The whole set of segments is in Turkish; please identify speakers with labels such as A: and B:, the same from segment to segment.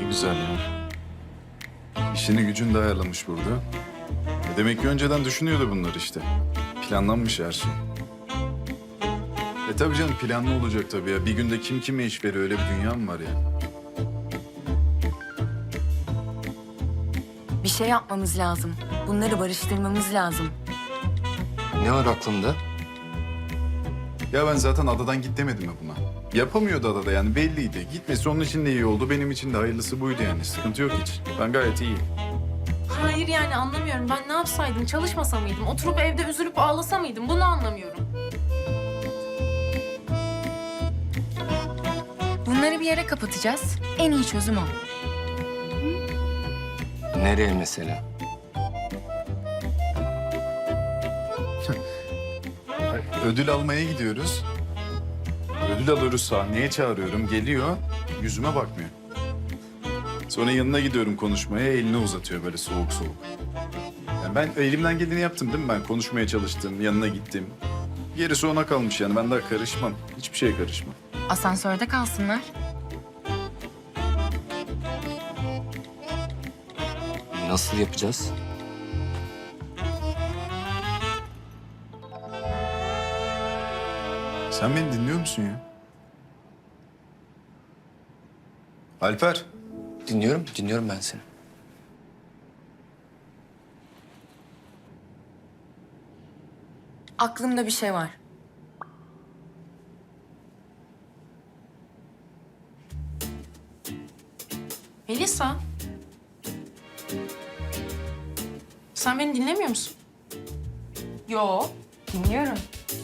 A: Güzel ya. İşini gücünü de ayarlamış burada. Demek ki önceden düşünüyordu bunlar işte. Planlanmış her şey. Tabii canım, planlı olacak tabii ya. Bir günde kim kime iş veriyor, öyle bir dünya mı var ya?
B: Bir şey yapmamız lazım. Bunları barıştırmamız lazım.
C: Ne var aklında?
A: Ya ben zaten adadan git demedim mi buna? Yapamıyordu adada, yani belliydi. Gitmesi onun için de iyi oldu, benim için de hayırlısı buydu yani. Sıkıntı yok hiç. Ben gayet iyiyim.
D: Hayır yani anlamıyorum. Ben ne yapsaydım? Çalışmasa mıydım? Oturup evde üzülüp ağlasa mıydım? Bunu anlamıyorum.
B: Bunları bir yere kapatacağız. En iyi çözüm o.
C: Nereye mesela?
A: Ödül almaya gidiyoruz. Ödül alıyoruz, sahneye çağırıyorum. Geliyor, yüzüme bakmıyor. Sonra yanına gidiyorum konuşmaya, elini uzatıyor böyle soğuk soğuk. Yani ben elimden geleni yaptım değil mi? Ben konuşmaya çalıştım, yanına gittim. Gerisi ona kalmış yani, ben daha karışmam. Hiçbir şeye karışmam.
B: Asansörde kalsınlar.
C: Nasıl yapacağız?
A: Sen beni dinliyor musun ya? Alper.
C: Dinliyorum ben seni.
B: Aklımda bir şey var.
D: Melisa. Sen beni dinlemiyor musun?
B: Yo, dinliyorum.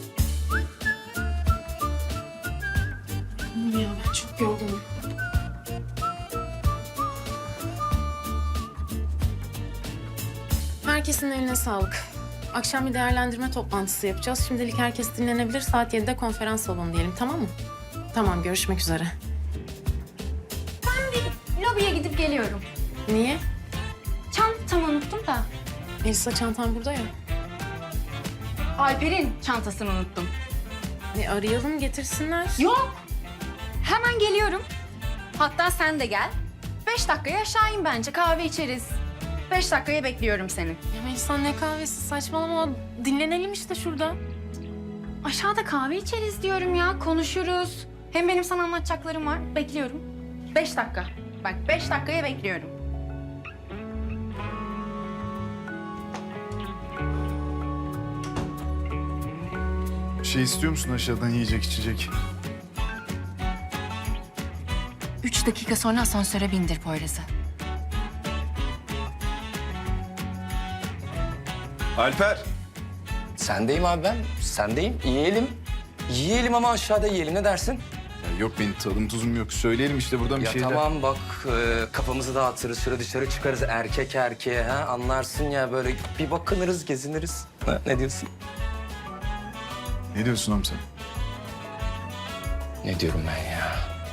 D: Ya ben çok yorgunum. Herkesin eline sağlık. Akşam bir değerlendirme toplantısı yapacağız. Şimdilik herkes dinlenebilir. Saat 7'de konferans salonu diyelim, tamam mı? Tamam, görüşmek üzere.
E: Lobiye gidip geliyorum.
D: Niye?
E: Çantamı unuttum da.
D: Elisa çantam burada ya.
E: Alper'in çantasını unuttum.
D: Arayalım, getirsinler.
E: Yok. Hemen geliyorum. Hatta sen de gel. 5 dakikaya aşağı in bence. Kahve içeriz. 5 dakikaya bekliyorum seni.
D: Ya Melisa ne kahvesi, saçmalama. Dinlenelim işte şurada.
E: Aşağıda kahve içeriz diyorum ya. Konuşuruz. Hem benim sana anlatacaklarım var. Bekliyorum. 5 dakika. Bak 5 dakikaya bekliyorum.
A: Bir şey istiyor musun aşağıdan, yiyecek içecek?
B: 3 dakika sonra asansöre bindir Poyraz'ı.
A: Alper.
C: Sendeyim abi ben. Sendeyim. Yiyelim. Yiyelim ama aşağıda yiyelim. Ne dersin?
A: Ya yok, benim tadım tuzum yok. Söyleyelim işte buradan bir
C: Ya
A: şeyler.
C: tamam bak kafamızı dağıtırız. Şöyle dışarı çıkarız erkek erkeğe. Ha? Anlarsın ya böyle bir bakınırız, geziniriz. Ha, ne diyorsun?
A: Ne diyorsun oğlum sen?
C: Ne diyorum ben ya?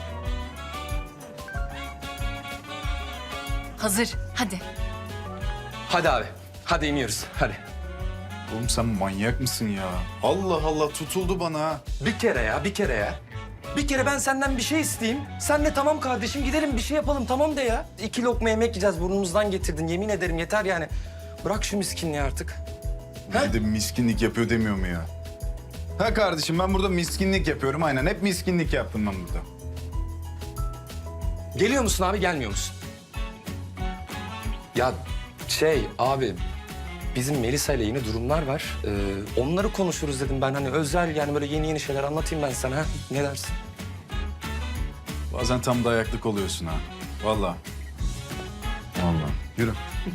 B: Hazır, hadi.
C: Hadi abi. Hadi iniyoruz. Hadi.
A: Oğlum sen manyak mısın ya? Allah Allah, tutuldu bana ha.
C: Bir kere ya, bir kere ya. Bir kere ben senden bir şey isteyeyim. Sen de tamam kardeşim gidelim bir şey yapalım tamam de ya. 2 lokma yemek yiyeceğiz burnumuzdan getirdin. Yemin ederim yeter yani. Bırak şu miskinliği artık.
A: Bir de miskinlik yapıyor demiyor mu ya? Ha kardeşim, ben burada miskinlik yapıyorum aynen. Hep miskinlik yaptım ben burada.
C: Geliyor musun abi gelmiyor musun? Ya abi bizim Melisa ile yeni durumlar var. Onları konuşuruz dedim ben hani özel yani böyle yeni şeyler anlatayım ben sana. Ha? Ne dersin?
A: Bazen tam dayaklık oluyorsun ha. Vallahi. Vallahi. Yürü.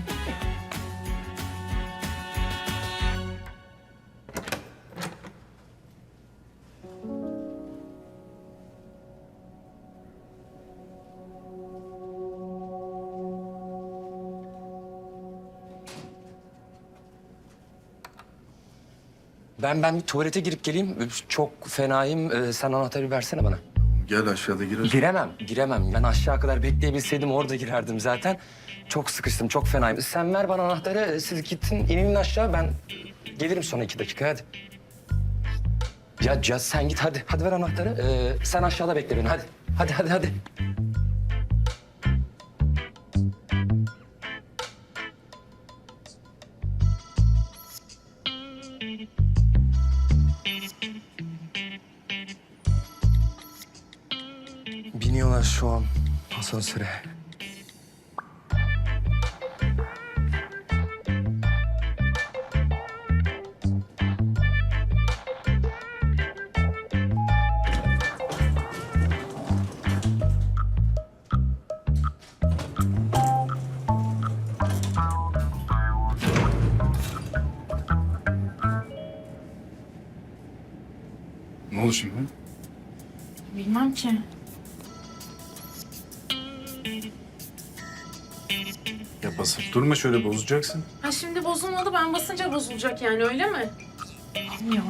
C: Ben bir tuvalete girip geleyim. Çok fenayım. Sen anahtarı versene bana.
A: Gel aşağıda gir.
C: Giremem. Ben aşağı kadar bekleyebilseydim orada girerdim zaten. Çok sıkıştım, çok fenayım. Sen ver bana anahtarı, siz gittin, inin aşağı. Ben gelirim sonra 2 dakika, hadi. Ya sen git hadi. Hadi ver anahtarı. Sen aşağıda bekle beni, hadi. Hadi. biniyorlar şu an asansöre.
A: Ne oldu şimdi?
D: Bilmem ki.
A: Ya basıp durma, şöyle bozacaksın.
D: Ha şimdi bozulmadı, ben basınca bozulacak yani, öyle mi? Ya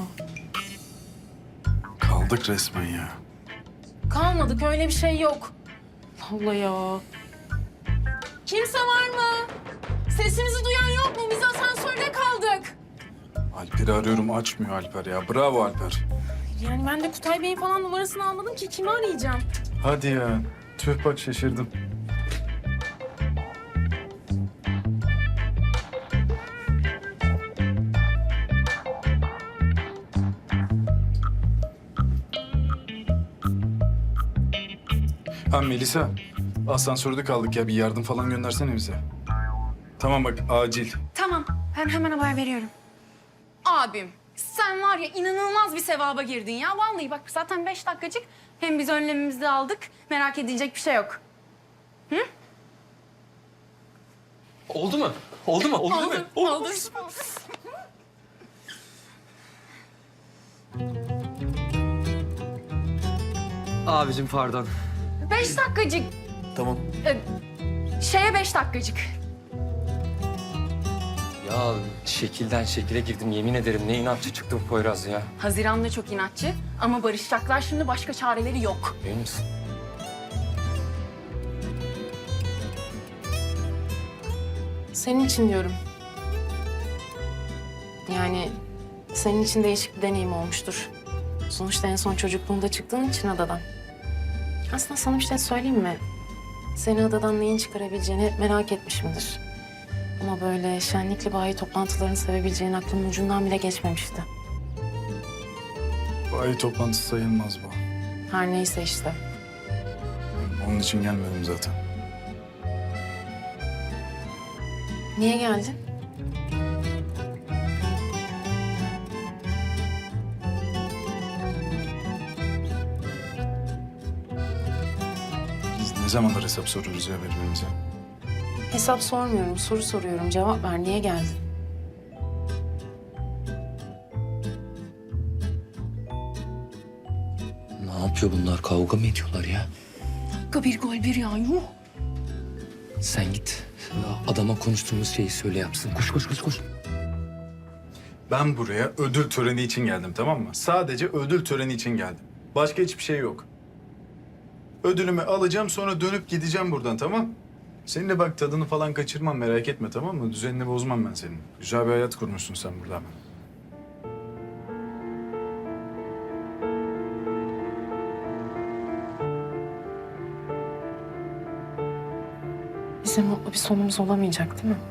A: Kaldık resmen ya.
D: kalmadık, öyle bir şey yok. Allah ya. Kimse var mı? Sesimizi duyan yok mu? Biz asansörde kaldık.
A: Alper'i arıyorum, açmıyor Alper ya. Bravo Alper.
D: Yani ben de Kutay Bey'in falan numarasını almadım ki, kimi arayacağım?
A: Hadi ya. Tüh, bak şaşırdım. Ha Melisa, asansörde kaldık ya. Bir yardım falan göndersene bize. Tamam bak, acil.
E: Tamam, ben hemen haber veriyorum. Abim, sen var ya inanılmaz bir sevaba girdin ya. Vallahi bak zaten 5 dakikacık. Hem biz önlemimizi de aldık. Merak edilecek bir şey yok.
C: Oldu mu? Oldu mu? Oldu değil mi?
E: Oldu.
C: Abicim pardon.
E: 5 dakikacık.
C: Tamam.
E: Şeye 5 dakikacık.
C: Ya şekilden şekile girdim yemin ederim. Ne inatçı çıktı bu Poyraz ya.
E: Haziran da çok inatçı ama barışacaklar şimdi, başka çareleri yok.
C: Emin misin?
D: Senin için diyorum. Yani senin için değişik bir deneyim olmuştur. Sonuçta en son çocukluğunda çıktığın için adadan. Aslında sana bir şey söyleyeyim mi? Seni adadan neyin çıkarabileceğini hep merak etmişimdir. Ama böyle şenlikli bayi toplantılarını sevebileceğin aklımın ucundan bile geçmemişti.
A: Bayi toplantısı sayılmaz bu.
D: Her neyse işte.
A: Onun için gelmedim zaten.
D: Niye geldin?
A: Biz ne zamandır hesap soruyoruz ya birbirimize?
D: Hesap sormuyorum, soru soruyorum. Cevap ver, niye geldin?
C: Ne yapıyor bunlar? Kavga mı ediyorlar ya?
E: Dakika bir gol bir ya, yuh.
C: Sen git. Adama konuştuğumuz şeyi söyle yapsın. Koş koş koş koş.
A: Ben buraya ödül töreni için geldim, tamam mı? Sadece ödül töreni için geldim. Başka hiçbir şey yok. Ödülümü alacağım, sonra dönüp gideceğim buradan, tamam? Seninle bak tadını falan kaçırmam, merak etme, tamam mı? Düzenini bozmam ben senin. Güzel bir hayat kurmuşsun sen burada hemen.
D: Bizim mutlu bir sonumuz olamayacak değil mi?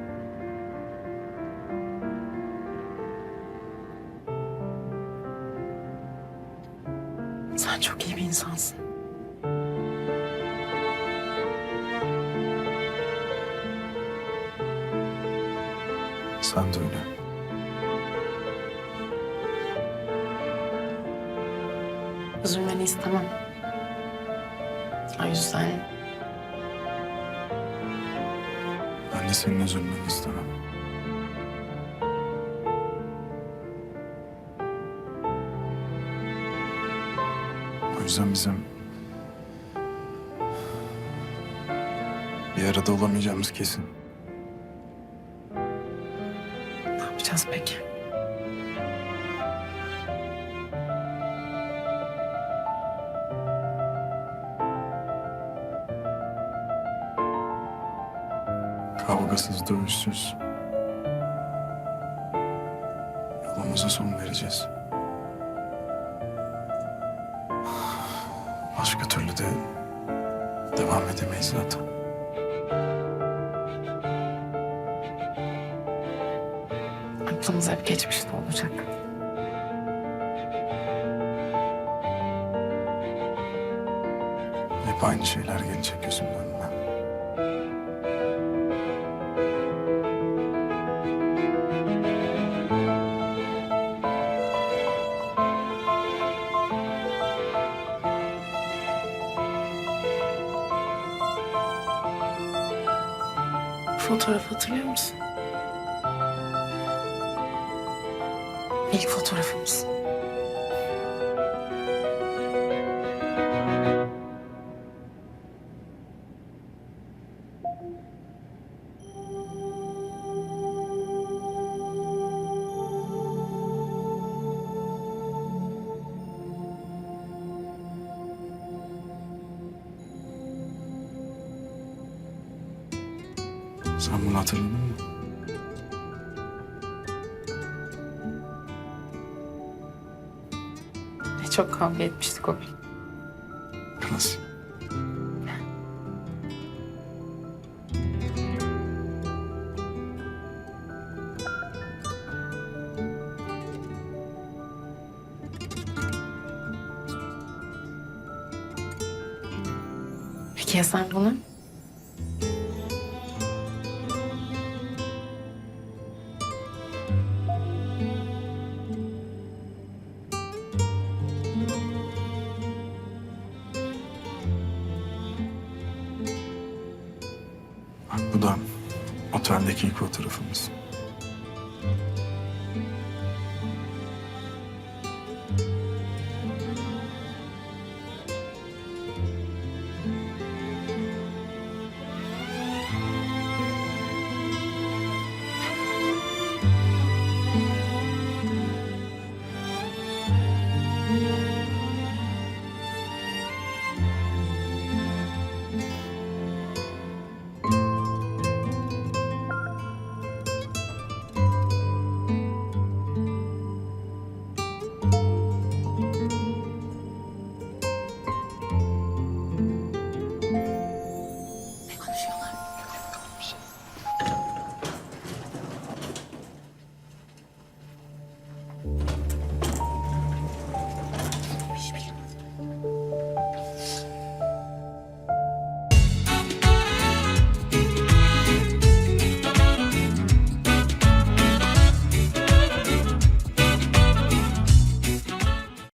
D: Sen çok iyi bir insansın.
A: Sen de öyle.
D: Üzülmeni istemem. O yüzden
A: Ben de senin üzülmeni istemem. O yüzden bizim bir arada olamayacağımız kesin.
D: ne yapacağız peki?
A: Kavgasız, dövüşsüz. Yolumuza son vereceğiz. Başka türlü de devam edemeyiz zaten.
D: Aklımız hep geçmişte olacak.
A: Hep aynı şeyler gelecek gözümün önüne.
D: Fotoğrafı hatırlıyor musun? İlk fotoğrafımız.
A: Sen bunu hatırladın mı?
D: Ne çok kavga etmiştik o gün.
A: Nasıl?
D: Peki ya sen bunu?
A: Bak bu da oteldeki ilk fotoğrafımız.